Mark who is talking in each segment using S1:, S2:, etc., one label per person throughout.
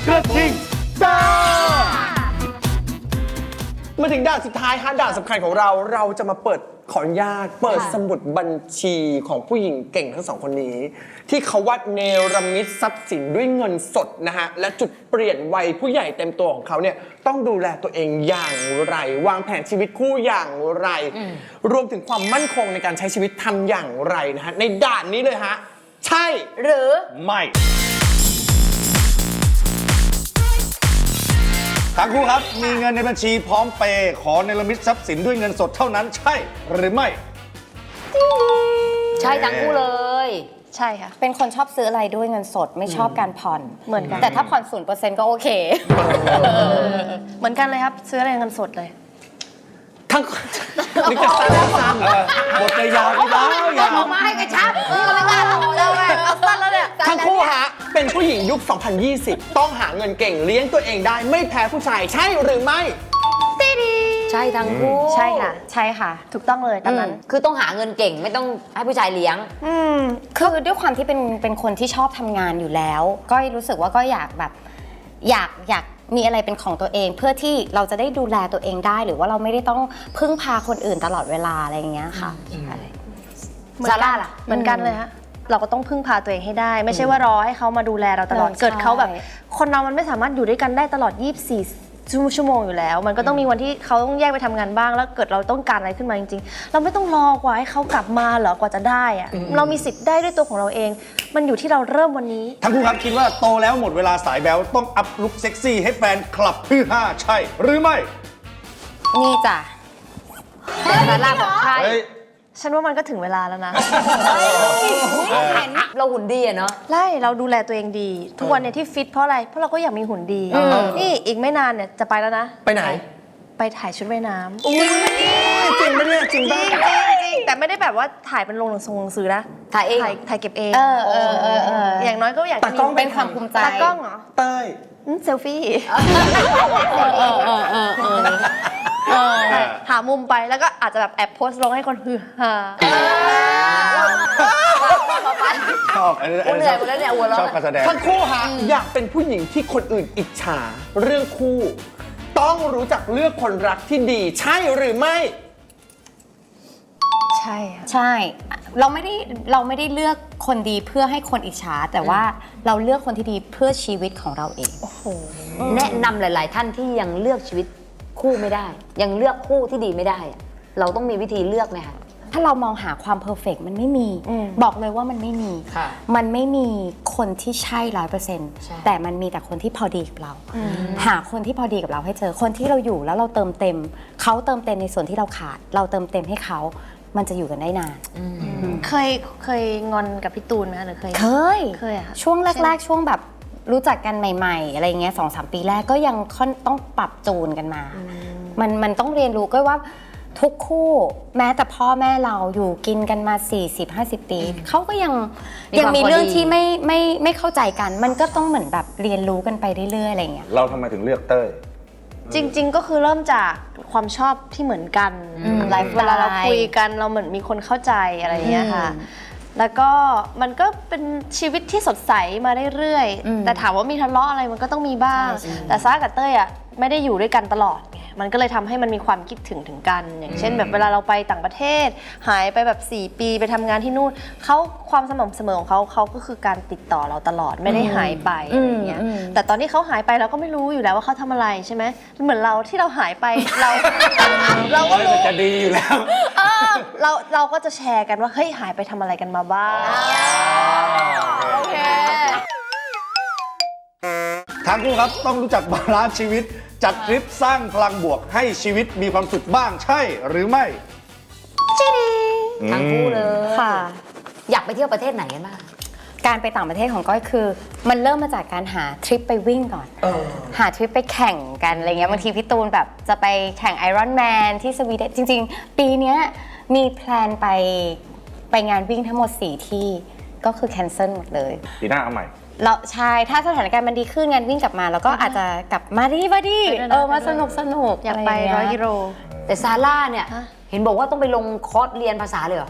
S1: กระทิงซ่า
S2: มาถึงด่านสุดท้ายฮะด่านสำคัญของเราจะมาเปิดขออนุญาตเปิดสมุดบัญชีของผู้หญิงเก่งทั้งสองคนนี้ ที่เขาวัดเนรมิตทรัพย์สินด้วยเงินสดนะฮะและจุดเปลี่ยนวัยผู้ใหญ่เต็มตัวของเขาเนี่ยต้องดูแลตัวเองอย่างไร วางแผนชีวิตคู่อย่างไร รวมถึงความมั่นคงในการใช้ชีวิตทำอย่างไรนะฮะในด่านนี้เลยฮะใช่หรือ
S1: ไม่ทั้งคู่ครับมีเงินในบัญชีพร้อมเปย์ขอเนรมิตทรัพย์สินด้วยเงินสดเท่านั้นใช่หรือไม่
S3: ใช่ทั้งคู่เลย
S4: ใช่ค่ะ
S3: เป็นคนชอบซื้ออะไรด้วยเงินสดไม่ชอบการผ่อน
S4: เหมือนกัน
S3: แต่ถ้าผ่อน 0% ก็โอเค
S4: เหมือนกันเลยครับซื้ออะไรเงินสดเลย
S2: ทั้งนึกจะสั้น
S1: บทจะยาวไม่ได้ยาว
S3: มาให้กระชับก็ไม่กล้าต่อเลยเอาสั้นแล้วเนี่ย
S2: ทั้งคู่ฮะเป็นผู้หญิงยุค 2020 ต้องหาเงินเก่งเลี้ยงตัวเองได้ไม่แพ้ผู้ชายใช่หรือไม่
S3: ใช่ทั้งคู่
S4: ใช่ค่ะใช่ค่ะถูกต้องเลยตามนั้น
S3: คือต้องหาเงินเก่งไม่ต้องให้ผู้ชายเลี้ยงคือด้วยความที่เป็นคนที่ชอบทำงานอยู่แล้วก็รู้สึกว่าก็อยากแบบอยากมีอะไรเป็นของตัวเองเพื่อที่เราจะได้ดูแลตัวเองได้หรือว่าเราไม่ได้ต้องพึ่งพาคนอื่นตลอดเวลาอะไรอย่างเงี้ยค่ะ
S4: ซาร่าล่ะเหมือนกันเลยฮะเราก็ต้องพึ่งพาตัวเองให้ได้ไม่ใช่ว่ารอให้เขามาดูแลเราตลอดเกิดเขาแบบคนเรามันไม่สามารถอยู่ด้วยกันได้ตลอด24 ชั่วโมงอยู่แล้วมันก็ต้องมีวันที่เขาต้องแยกไปทำงานบ้างแล้วเกิดเราต้องการอะไรขึ้นมาจริงๆเราไม่ต้องรอกว่าให้เขากลับมาเหรอกว่าจะได้อะเรามีสิทธิ์ได้ด้วยตัวของเราเองมันอยู่ที่เราเริ่มวันนี้
S1: ทั้งคู่ครับคิดว่าโตแล้วหมดเวลาสายแบ๊วต้องอัพลุคเซ็กซี่ให้แฟนคลับฮือฮาใช่หรือไม่
S3: นี่จ้ะแต่ซาร่าบอกใช่
S4: ฉันว่ามันก็ถึงเวลาแล้วนะ
S3: เราหุ่นดีอะเนาะ
S4: ใช่เราดูแลตัวเองดีทุกวันเนี่ยที่ฟิตเพราะอะไรเพราะเราก็อยากมีหุ่นดีนี่อีกไม่นานเนี่ยจะไปแล้วนะ
S2: ไปไหน
S4: ไปถ่ายชุดว่ายน้ำ
S2: จริงไหมเนี่ยจริงบ้าง
S4: แต่ไม่ได้แบบว่าถ่ายเป็นลงหนังสือนะ
S3: ถ่ายเอง
S4: ถ่ายเก็บเองอย่างน้อยก็อยาก
S3: ตากล้องเป็นความภูมิใจ
S4: ตากล้องเหรอ
S2: เต้ย
S4: เซลฟี่หามุมไปแล้วก็อาจจะแบบแอบโพสต์ลงให้คนฮือฮา
S1: ชอบชอบการแสดง
S2: ทั้งคู่ฮะอยากเป็นผู้หญิงที่คนอื่นอิจฉาเรื่องคู่ต้องรู้จักเลือกคนรักที่ดีใช่หรือไม่
S4: ใช่
S3: ใช่เราไม่ได้เลือกคนดีเพื่อให้คนอิจฉาแต่ว่าเราเลือกคนที่ดีเพื่อชีวิตของเราเอง
S4: โอ้โห
S3: แนะนำหลายๆท่านที่ยังเลือกชีวิตคู่ไม่ได้ยังเลือกคู่ที่ดีไม่ได้เราต้องมีวิธีเลือกไหมคะถ้าเรามองหาความเพอร์เฟกต์มันไม่มีบอกเลยว่ามันไม่มีมันไม่มีคนที่ใช่ 100% แต่มันมีแต่คนที่พอดีกับเราหาคนที่พอดีกับเราให้เจอคนที่เราอยู่แล้วเราเติมเต็มเขาเติมเต็มในส่วนที่เราขาดเราเติมเต็มให้เขามันจะอยู่กันได้นาน
S4: เคยงอนกับพี่ตูนไหมหรือเคยอะ
S3: ช่วงแรกๆช่วงแบบรู้จักกันใหม่ๆอะไรเงี้ย 2-3 ปีแรกก็ยังต้องปรับจูนกันมามันต้องเรียนรู้ก็ว่าทุกคู่แม้แต่พ่อแม่เราอยู่กินกันมา 40-50 ปีเขาก็ยังมีเรื่องที่ไม่เข้าใจกันมันก็ต้องเหมือนแบบเรียนรู้กันไปเรื่อยๆอะไรเงี้ย
S1: เราทำไมถึงเลือกเต้ย
S4: จริงๆก็คือเริ่มจากความชอบที่เหมือนกันเวลาเราคุยกันเราเหมือนมีคนเข้าใจอะไรอย่างเงี้ยค่ะแล้วก็มันก็เป็นชีวิตที่สดใสมาเรื่อยๆแต่ถามว่ามีทะเลาะอะไรมันก็ต้องมีบ้างแต่ซ่ากับเต้ยอ่ะไม่ได้อยู่ด้วยกันตลอดไงมันก็เลยทำให้มันมีความคิดถึงกันอย่างเช่นแบบเวลาเราไปต่างประเทศหายไปแบบ4 ปีไปทำงานที่นู่นเขาความสม่ำเสมอของเขาก็คือการติดต่อเราตลอดไม่ได้หายไปอะไรเงี้ยแต่ตอนที่เขาหายไปเราก็ไม่รู้อยู่แล้วว่าเขาทำอะไรใช่ไหมเหมือนเราที่เราหายไปเราก็รู้
S1: จะดีอยู่แล้ว
S4: เราก็จะแชร์กันว่าเฮ้ยหายไปทำอะไรกันมาบ้าง
S3: โอเค
S1: ทั้งคู่ครับต้องรู้จักบาลานซ์ชีวิตจัดทริปสร้างพลังบวกให้ชีวิตมีความสุขบ้างใช่หรือไม่
S3: ทั้งคู่เลย
S4: ค่ะ
S3: อยากไปเที่ยวประเทศไหนกันบ้างการไปต่างประเทศของก้อยคือมันเริ่มมาจากการหาทริปไปวิ่งก่อนหาทริปไปแข่งกันอะไรเงี้ยบางทีพี่ตูนแบบจะไปแข่งไอรอนแมนที่สวีเดนจริงๆปีนี้มีแพลนไปงานวิ่งทั้งหมด4ที่ก็คือแคนเซิลหมดเลย
S1: ปีหน้าเอาใหม่
S3: เราใช่ถ้าสถานการณ์มันดีขึ้นงานวิ่งกลับมาแล้วก็อาจจะกลับมาดีมาสนุก
S4: อยากไป100 กิโล
S3: แต่ซาร่าเนี่ยเห็นบอกว่าต้องไปลงคอร์สเรียนภาษาเลยเหรอ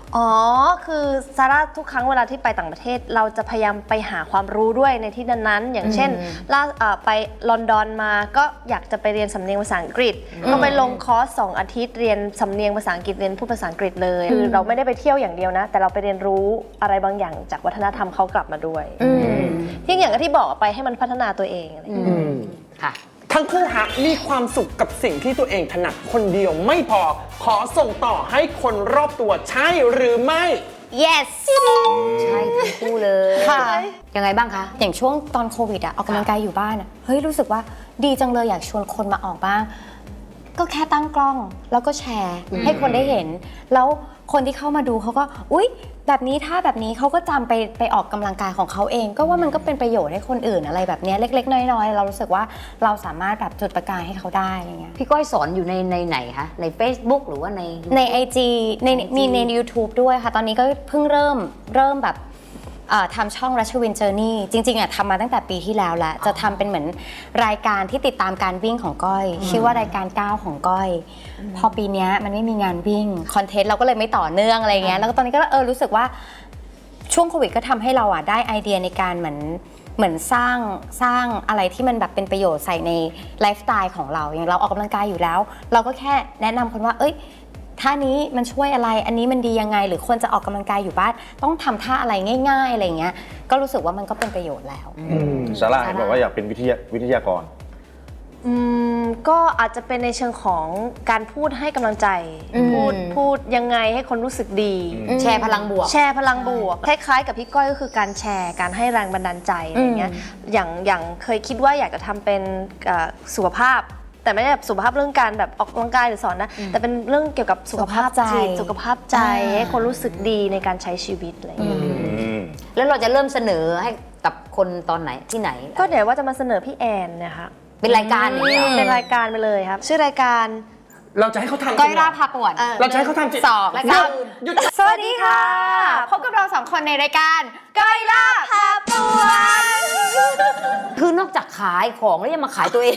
S4: อ๋อ คือซาร่าทุกครั้งเวลาที่ไปต่างประเทศ เราจะพยายามไปหาความรู้ด้วยในที่นั้นๆ อย่างเช่นไปลอนดอนมาก็อยากจะไปเรียนสำเนียงภาษาอังกฤษ ก็ไปลงคอร์ส2 อาทิตย์เรียนสำเนียงภาษาอังกฤษเรียนพูดภาษาอังกฤษเลย คือเราไม่ได้ไปเที่ยวอย่างเดียวนะ แต่เราไปเรียนรู้อะไรบางอย่างจากวัฒนธรรมเขากลับมาด้วยที่อย่างที่บอกไปให้มันพัฒนาตัวเองอะไรอย่างเงี้ย
S3: ค่ะ
S2: ทั้งคู่ฮะมีความสุขกับสิ่งที่ตัวเองถนัดคนเดียวไม่พอขอส่งต่อให้คนรอบตัวใช่หรือไม่
S4: yes
S3: ใช่ทั้งคู่เลย
S5: ค่ะ
S3: ยังไงบ้างคะ
S5: อย่างช่วงตอนโควิดอะออกกำลังกายอยู่บ้านอะเฮ้ยรู้สึกว่าดีจังเลยอยากชวนคนมาออกบ้าง ก็แค่ตั้งกล้องแล้วก็แชร์ให้คนได้เห็น แล้วคนที่เข้ามาดูเขาก็อุ๊ยแบบนี้ถ้าแบบนี้เขาก็จำไปออกกำลังกายของเขาเอง ก็ว่ามันก็เป็นประโยชน์ให้คนอื่นอะไรแบบเนี้ยเล็กๆน้อยๆเรารู้สึกว่าเราสามารถแบบจุดประกายให้เขาได้อะไรเงี้ย
S3: พี่ก้อยสอนอยู่ในไหนคะ ใน Facebook หรือว่าใน
S5: ใน IG มีใน YouTube ด้วยค่ะ ตอนนี้ก็เพิ่งเริ่มแบบทำช่องรัชวินเจอร์นี่จริงๆทำมาตั้งแต่ปีที่แล้วแหละจะทำเป็นเหมือนรายการที่ติดตามการวิ่งของก้อย ชื่อว่ารายการก้าวของก้อย พอปีนี้มันไม่มีงานวิ่งคอนเทนต์เราก็เลยไม่ต่อเนื่องอะไรเงี้ยแล้วก็ตอนนี้ก็รู้สึกว่าช่วงโควิดก็ทำให้เราได้ไอเดียในการเหมือนสร้างอะไรที่มันแบบเป็นประโยชน์ใส่ในไลฟ์สไตล์ของเราอย่างเราออกกำลังกายอยู่แล้ว เราก็แค่แนะนำคนว่าท่านี้มันช่วยอะไรอันนี้มันดียังไงหรือคนจะออกกำลังกายอยู่บ้านต้องทำท่าอะไรง่ายๆอะไรเงี้ยก็รู้สึกว่ามันก็เป็นประโยชน์แล้ว
S1: ซาร่าเห็นบอกว่าอยากเป็นวิทยากร
S4: ก็อาจจะเป็นในเชิงของการพูดให้กำลังใจพูดยังไงให้คนรู้สึกดี
S3: แชร์พลังบวก
S4: แชร์พลังบวกคล้ายๆกับพี่ก้อยก็คือการแชร์การให้แรงบันดาลใจอะไรเงี้ยอย่างเคยคิดว่าอยากจะทำเป็นสุขภาพ แต่ไม่ได้แบบสุขภาพเรื่องการแบบออกกำลังกายหรือสอนนะแต่เป็นเรื่องเกี่ยวกับสุขภาพจิตสุขภาพใจให้คนรู้สึกดีในการใช้ชีวิตอะไรอย่างเงี้ย
S3: แล้วเราจะเริ่มเสนอให้กับคนตอนไหนที่ไหน
S4: ก็เดี๋ยวว่าจะมาเสนอพี่แอนนะคะ
S3: เป็นรายการอย่างเงี้ย
S4: เป็นรายการไปเลยครับ ชื่อรายการ
S2: เราจะให้เขาทำจ
S5: ก้
S2: ริ
S5: อย
S2: งเหร
S5: รา
S2: อ
S5: พาปวด
S2: เราจะให้เขาทำจริง
S5: สอง
S3: รายการ
S2: หยุด
S5: สวัสดีค่ะ พบกับเราสองคนในรายการก้อยราพาปวด
S3: คือนอกจากขายของแล้วยังมาขายตัวเอง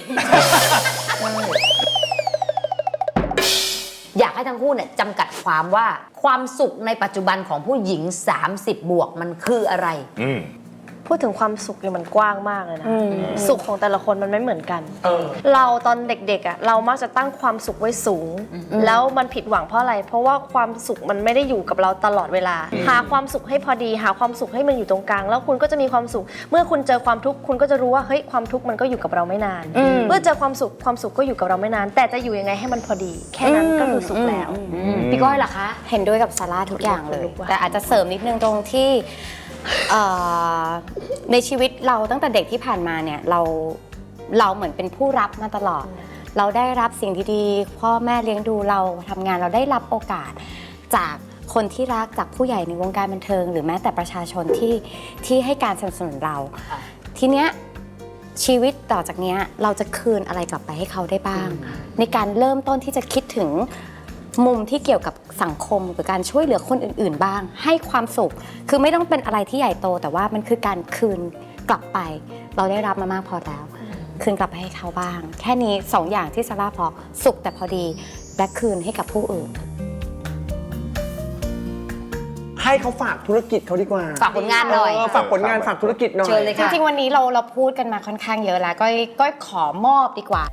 S3: อยากให้ทั้งคู่เนี่ยจำกัดความว่าความสุขในปัจจุบันของผู้หญิง 30 บวกมันคืออะไร
S4: พูดถึงความสุขเนี่ยมันกว้างมากเลยนะสุขของแต่ละคนมันไม่เหมือนกัน เราตอนเด็กๆอ่ะเรามักจะตั้งความสุขไว้สูง แล้วมันผิดหวังเพราะอะไร เพราะว่าความสุขมันไม่ได้อยู่กับเราตลอดเวลา หาความสุขให้พอดีหาความสุขให้มันอยู่ตรงกลางแล้วคุณก็จะมีความสุข เมื่อคุณเจอความทุกข์คุณก็จะรู้ว่าเฮ้ยความทุกข์มันก็อยู่กับเราไม่นาน เมื่อเจอความสุขก็อยู่กับเราไม่นาน แต่จะอยู่ยังไงให้มันพอดี แค่นั้นก็คือสุขแล้ว
S3: พี่ก้อยล่ะคะ
S5: เห็นด้วยกับซาร่าทุกอย่างเลย
S4: ขนลุกว่ะ
S5: แต่อาจจะเสริมนิดนึงตรงที่ในชีวิตเราตั้งแต่เด็กที่ผ่านมาเนี่ยเราเหมือนเป็นผู้รับมาตลอด เราได้รับสิ่งดีๆพ่อแม่เลี้ยงดูเราทำงานเราได้รับโอกาสจากคนที่รักจากผู้ใหญ่ในวงการบันเทิง หรือแม้แต่ประชาชนที่ให้การสนับสนุนเรา ทีเนี้ยชีวิตต่อจากเนี้ยเราจะคืนอะไรกลับไปให้เขาได้บ้าง ในการเริ่มต้นที่จะคิดถึงมุมที่เกี่ยวกับสังคมหรือการช่วยเหลือคนอื่นๆบ้าง ให้ความสุขคือไม่ต้องเป็นอะไรที่ใหญ่โต แต่ว่ามันคือการคืนกลับไป เราได้รับมามากพอแล้ว คืนกลับไปให้เขาบ้าง แค่นี้2 อย่างที่ซาร่าพอสุขแต่พอดีและคืนให้กับผู้อื่น
S2: ให้เขาฝากธุรกิจเขาดีกว่า
S3: ฝากผลงานหน่อย
S2: ฝากผลงานฝากธุรกิจหน่อย
S3: เชิญเลย
S5: จ
S3: ค่ะ
S5: ริงๆวันนี้เราพูดกันมาค่อนข้างเยอะแล้วก็ขอมอบดีกว่า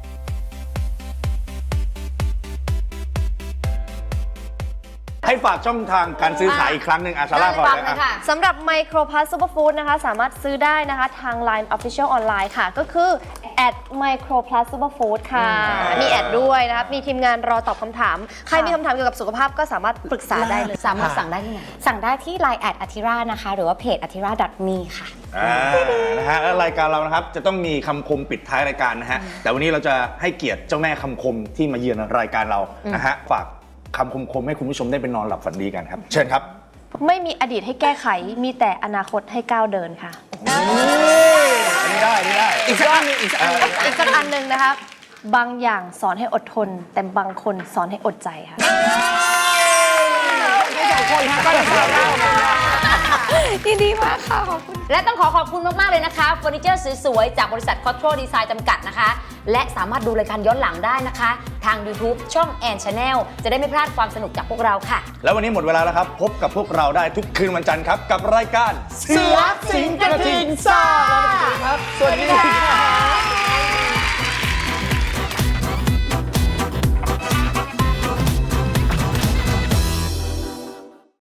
S1: ให้ฝากช่องทางการซื้อขายอีกครั้งหนึ่งซาร่าก่อนเลย
S4: สำหรับ Microplus Superfood นะคะสามารถซื้อได้นะคะทาง Line Official Online ค่ะ ก็คือ @Microplus Superfood ค่ะ มีแอดด้วยนะครับ มีทีมงานรอตอบคำถาม ใครมีคำถามเกี่ยวกับสุขภาพก็สามารถปรึกษาได้เลย
S3: สามารถสั่งได้ที่ไหน
S5: สั่งได้ที่ Line @atira นะคะหรือว่าเพจ atira.me ค่ะ
S1: นะฮะแล้วรายการเรานะครับจะต้องมีคำคมปิดท้ายรายการนะฮะแต่วันนี้เราจะให้เกียรติเจ้าแม่คำคมที่มาเยือนรายการเรานะฮะฝากคำคมให้คุณผู้ชมได้ไปนอนหลับฝันดีกันครับเชิญครับ
S4: ไม่มีอดีตให้แก้ไข มีแต่อนาคตให้ก้าวเดินค่ะ
S1: อันนี้ได้
S2: อีกสักอันหนึงอีกสักอันหนึ่ง
S4: อีกสักอันหนึ่งนะครับ บางอย่างสอนให้อดทน แต่บางคนสอนให้อดใจค่ะ
S5: ยินดีมากค่ะขอบคุณ
S3: และต้องขอบคุณมาก ๆ เลยนะคะเฟอร์นิเจอร์สวย ๆ จากบริษัท Control Design จำกัดนะคะ และสามารถดูรายการย้อนหลังได้นะคะ ทาง YouTube ช่อง Ann Channel จะได้ไม่พลาดความสนุกจากพวกเราค่ะ
S1: แล้ววันนี้หมดเวลาแล้วครับ พบกับพวกเราได้ทุกคืนวันจันทร์ครับ กับรายการ
S2: เสือสิงกระทิงซ่า